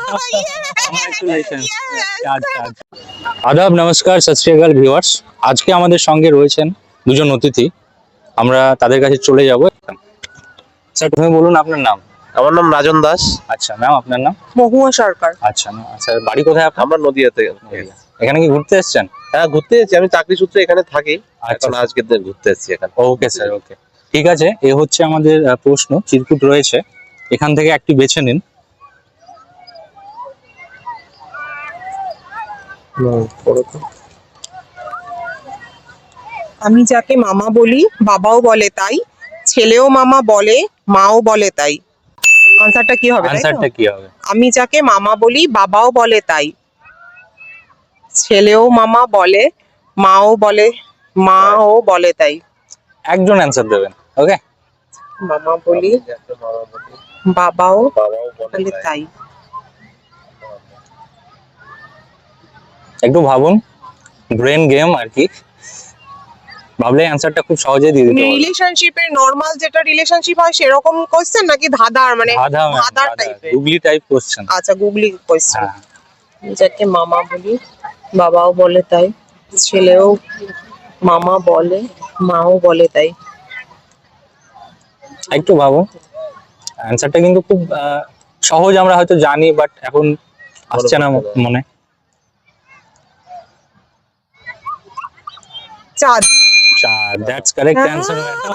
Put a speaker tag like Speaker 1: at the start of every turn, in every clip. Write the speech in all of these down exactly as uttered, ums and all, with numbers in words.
Speaker 1: আদাব, নমস্কার, সত শ্রী আকাল ভিউয়ার্স। আজকে আমাদের সঙ্গে রয়েছেন দুজন অতিথি, আমরা তাদের কাছে চলে যাব। স্যার, তুমি বলুন আপনার নাম।
Speaker 2: আমার নাম রাজন দাস।
Speaker 1: আচ্ছা ম্যাম, আপনার নাম?
Speaker 3: মহুয়া সরকার।
Speaker 1: আচ্ছা ম্যাম, আচ্ছা বাড়ি কোথায় আপনার?
Speaker 2: আমরা নদিয়াতে।
Speaker 1: এখানে কি ঘুরতে এসেছেন?
Speaker 2: হ্যাঁ, ঘুরতে এসেছি, আমি চাকরি সূত্রে এখানে থাকি।
Speaker 1: আচ্ছা,
Speaker 2: এখন আজকে দিন ঘুরতে এসেছি এখানে।
Speaker 1: ওকে স্যার, ওকে, ঠিক আছে। এ হচ্ছে আমাদের আহ, প্রশ্ন চিরকুট রয়েছে, এখান থেকে একটি বেছে নিন।
Speaker 3: আমি যাকে মামা বলি বাবাও বলে তাই, ছেলেও মামা বলে মাও বলে তাই। আনসারটা কি হবে?
Speaker 1: আনসারটা কি হবে?
Speaker 3: আমি যাকে মামা বলি বাবাও বলে তাই, ছেলেও মামা বলে মাও বলে মাও বলে তাই।
Speaker 1: একজন অ্যান্সার দেবেন, ওকে?
Speaker 3: মামা বলি বাবাও বলে তাই।
Speaker 1: একটু ভাবুন, ব্রেন গেম আর কি, ভাবলে অ্যান্সারটা খুব সহজেই দিয়ে দিতে পারবেন।
Speaker 3: রিলেশনশিপের নরমাল যেটা রিলেশনশিপ হয় সেরকম কোশ্চেন নাকি ধাঁধার, মানে
Speaker 1: ধাঁধা,
Speaker 3: ধাঁধার টাইপের?
Speaker 1: Googly type question.
Speaker 3: আচ্ছা, গুগলি কোশ্চেন।
Speaker 1: হ্যাঁ,
Speaker 3: যাকে মামা বলি বাবাও বলে তাই, ছেলেও মামা বলে মাও বলে তাই।
Speaker 1: একটু ভাবুন, অ্যান্সারটা কিন্তু খুব আহ, সহজ, আমরা হয়তো জানি, বাট এখন আসছে না মনে।
Speaker 3: চাঁদ।
Speaker 1: চাঁদ, দ্যাটস কারেক্ট অ্যান্সার।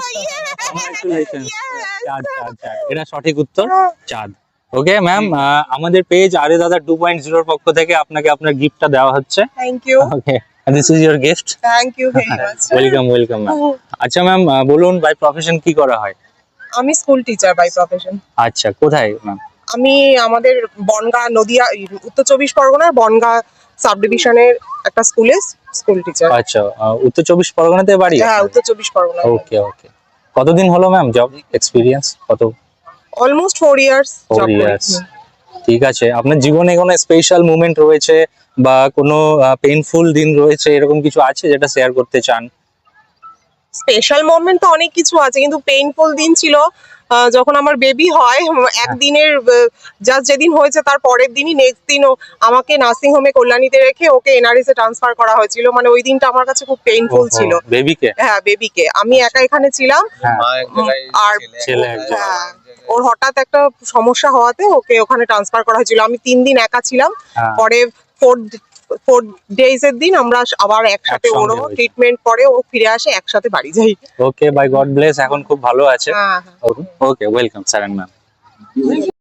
Speaker 1: চাঁদ, চাঁদ, চাঁদ, এটা সঠিক উত্তর, চাঁদ। ওকে ম্যাম, আমাদের পেজ আরে দাদা টু পয়েন্ট জিরো এর পক্ষ থেকে আপনাকে আপনার গিফটটা দেওয়া হচ্ছে।
Speaker 3: Thank you.
Speaker 1: Okay, this is your gift.
Speaker 3: Thank you very much.
Speaker 1: Welcome, welcome ma'am. আচ্ছা ম্যাম, বলুন, বাই প্রফেশন কি করা হয়?
Speaker 3: আমি স্কুল টিচার বাই প্রফেশন।
Speaker 1: আচ্ছা, কোথায় ম্যাম?
Speaker 3: আমি আমাদের বনগা নদিয়া উত্তর চব্বিশ পরগনার বনগা সাব ডিভিশনের একটা স্কুলে স্কুল টিচার।
Speaker 1: আচ্ছা, আহ, উত্তর চব্বিশ পরগনাতে বাড়ি?
Speaker 3: হ্যাঁ, উত্তর চব্বিশ পরগনা।
Speaker 1: ওকে, ওকে। কতদিন হলো ম্যাম জব এক্সপিরিয়েন্স? কত?
Speaker 3: Almost four years
Speaker 1: four
Speaker 3: job করি।
Speaker 1: ইয়ার্স। ঠিক আছে, আপনার জীবনে কোনো স্পেশাল মুভমেন্ট রয়েছে বা কোনো পেইনফুল দিন রয়েছে, এরকম কিছু আছে যেটা শেয়ার করতে চান?
Speaker 3: স্পেশাল মোমেন্ট তো অনেক কিছু আছে, কিন্তু পেইনফুল দিন ছিল আহ, যখন আমার বেবি হয়। একদিনের জাস্ট যেদিন হয়েছে তার পরের দিনই নেক্সট দিন ও আমাকে নার্সিং হোমে কল্যাণীতে রেখে ওকে এনআরএস এ ট্রান্সফার করা হয়েছিল। মানে ওই দিনটা আমার কাছে খুব পেইনফুল ছিল।
Speaker 1: বেবিকে?
Speaker 3: হ্যাঁ, বেবিকে। আমি একা এখানে ছিলাম,
Speaker 2: মা এক জায়গায়,
Speaker 3: আর
Speaker 1: ছেলে এক জায়গায়।
Speaker 3: হ্যাঁ, ওর হঠাৎ একটা সমস্যা হওয়াতে ওকে ওখানে ট্রান্সফার করা হয়েছিল। আমি তিন দিন একা ছিলাম।
Speaker 1: হ্যাঁ।
Speaker 3: পরে ফোর ফোর ডেজ এর দিন আমরা আবার একসাথে, ওর
Speaker 1: একসঙ্গে হয়েছে।
Speaker 3: ট্রিটমেন্ট পরে ও ফিরে আসে, একসাথে বাড়ি যাই।
Speaker 1: ওকে, বাই গড ব্লেস, এখন খুব ভালো আছে।
Speaker 3: হ্যাঁ, হ্যাঁ।
Speaker 1: Okay, welcome sir and ma'am.